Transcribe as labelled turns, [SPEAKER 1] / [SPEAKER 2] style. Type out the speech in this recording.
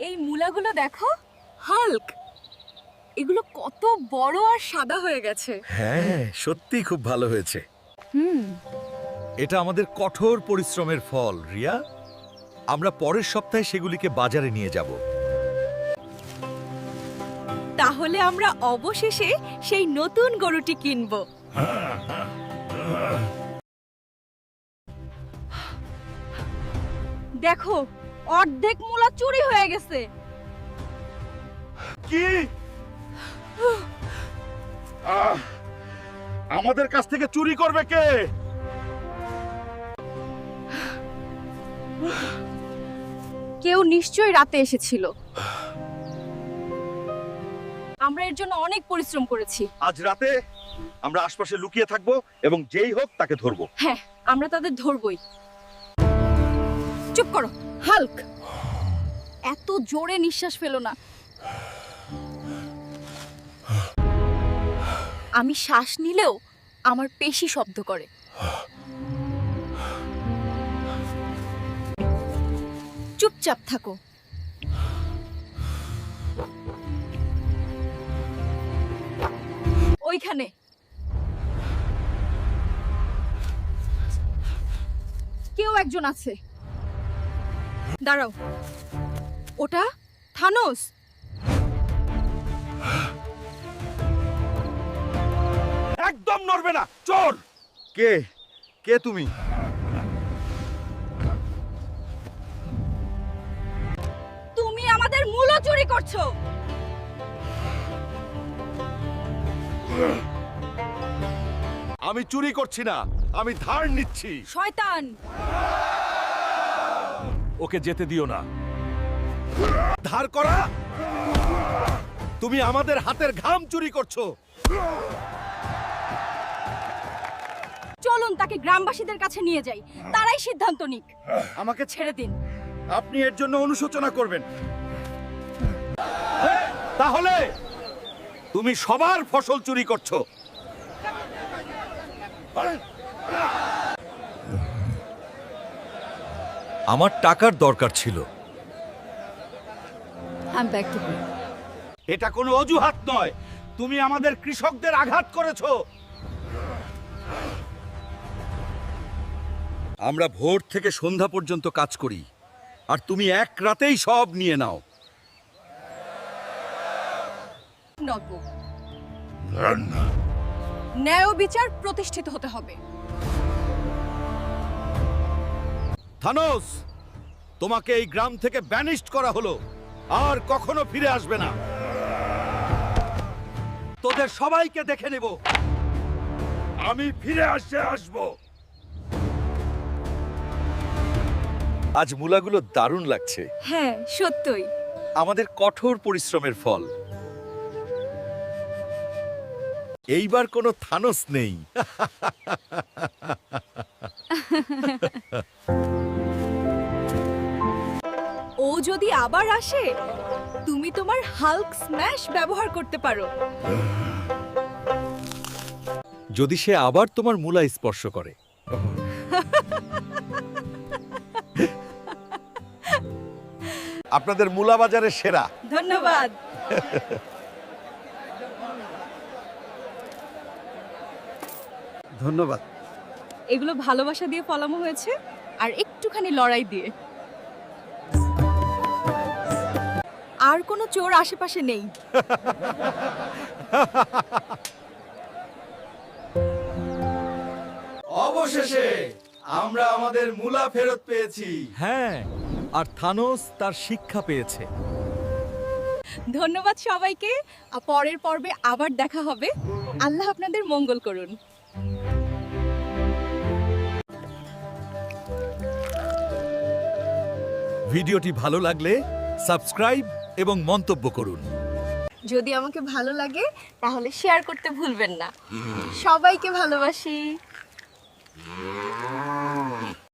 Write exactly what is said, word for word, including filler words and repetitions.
[SPEAKER 1] এই মূলাগুলো দেখো, হাল্ক। এগুলো কত বড় আর সাদা হয়ে গেছে।
[SPEAKER 2] হ্যাঁ, সত্যি খুব ভালো হয়েছে।
[SPEAKER 1] হুম।
[SPEAKER 2] এটা আমাদের কঠোর পরিশ্রমের ফল, রিয়া। আমরা পরের সপ্তাহে সেগুলিকে বাজারে নিয়ে যাব।
[SPEAKER 1] তাহলে আমরা অবশেষে সেই নতুন গরুটি কিনব। দেখো, অর্ধেক মূলা চুরি হয়ে গেছে।
[SPEAKER 3] কি? আহ, আমাদের কাছ থেকে চুরি করবে কে?
[SPEAKER 1] কেউ নিশ্চয়ই রাতে এসেছিল। আমরা এর জন্য অনেক পরিশ্রম করেছি।
[SPEAKER 3] আজ রাতে আমরা আশপাশে লুকিয়ে থাকবো এবং যেই হোক তাকে ধরবো।
[SPEAKER 1] হ্যাঁ, আমরা তাদের ধরবই। চুপ করো, হাল্ক। এত জোরে নিঃশ্বাস ফেলো না। আমি শ্বাস নিলেও আমার পেশি শব্দ করে। চুপচাপ থাকো। ওইখানে কেউ একজন আছে। দাঁড়াও, ওটা থানোস।
[SPEAKER 3] একদম নড়বে না, চোর।
[SPEAKER 2] কে কে তুমি?
[SPEAKER 1] তুমি আমাদের মূলা চুরি করছো।
[SPEAKER 3] আমি চুরি করছি না, আমি ধার নিচ্ছি।
[SPEAKER 1] শয়তান!
[SPEAKER 3] ওকে যেতে দিও না। ধার করা? তুমি আমাদের হাতের ঘাম চুরি করছো।
[SPEAKER 1] চলুন তাকে গ্রামবাসীদের কাছে নিয়ে যাই, তারাই সিদ্ধান্ত নিক।
[SPEAKER 3] আমাকে
[SPEAKER 1] ছেড়ে দিন।
[SPEAKER 3] আপনি এর জন্য অনুশোচনা করবেন। তাহলে তুমি সবার ফসল চুরি করছো।
[SPEAKER 2] আমার টাকার দরকার ছিল।
[SPEAKER 3] এটা কোনো অজুহাত নয়। তুমি আমাদের কৃষকদের আঘাত করেছো।
[SPEAKER 2] আমরা ভোর থেকে সন্ধ্যা পর্যন্ত কাজ করি, আর তুমি এক রাতেই সব নিয়ে নাও।
[SPEAKER 1] ন্যায় ও বিচার প্রতিষ্ঠিত হতে হবে।
[SPEAKER 3] থানোস, তোমাকে এই গ্রাম থেকে ব্যানিশড করা হলো, আর কখনো ফিরে আসবে না। তোদের সবাইকে দেখে নেব। আমি ফিরে আসে আসবো।
[SPEAKER 2] আজ মূলাগুলো দারুণ লাগছে।
[SPEAKER 1] হ্যাঁ, সত্যই।
[SPEAKER 2] আমাদের কঠোর পরিশ্রমের ফল। এইবার কোনো থানোস নেই।
[SPEAKER 1] ও যদি আবার আসে, তুমি তোমার হাল্ক স্ম্যাশ ব্যবহার করতে পারো।
[SPEAKER 2] যদি সে আবার তোমার মূলা স্পর্শ করে।
[SPEAKER 3] আপনাদের মূলা বাজারের সেরা।
[SPEAKER 1] ধন্যবাদ।
[SPEAKER 3] ধন্যবাদ।
[SPEAKER 1] এগুলো ভালোবাসা দিয়ে ফলানো হয়েছে, আর একটুখানি লড়াই দিয়ে। আর কোনো চোর আশেপাশে নেই।
[SPEAKER 2] অবশেষে আমরা আমাদের মূলা ফেরত পেয়েছি। হ্যাঁ, আর থানোস তার শিক্ষা পেয়েছে।
[SPEAKER 1] ধন্যবাদ সবাইকে। আর পরের পর্বে আবার দেখা হবে। আল্লাহ আপনাদের মঙ্গল করুন।
[SPEAKER 2] ভিডিওটি ভালো লাগলে সাবস্ক্রাইব এবং মন্তব্য করুন।
[SPEAKER 1] যদি আমাকে ভালো লাগে তাহলে শেয়ার করতে ভুলবেন না। সবাইকে ভালোবাসি।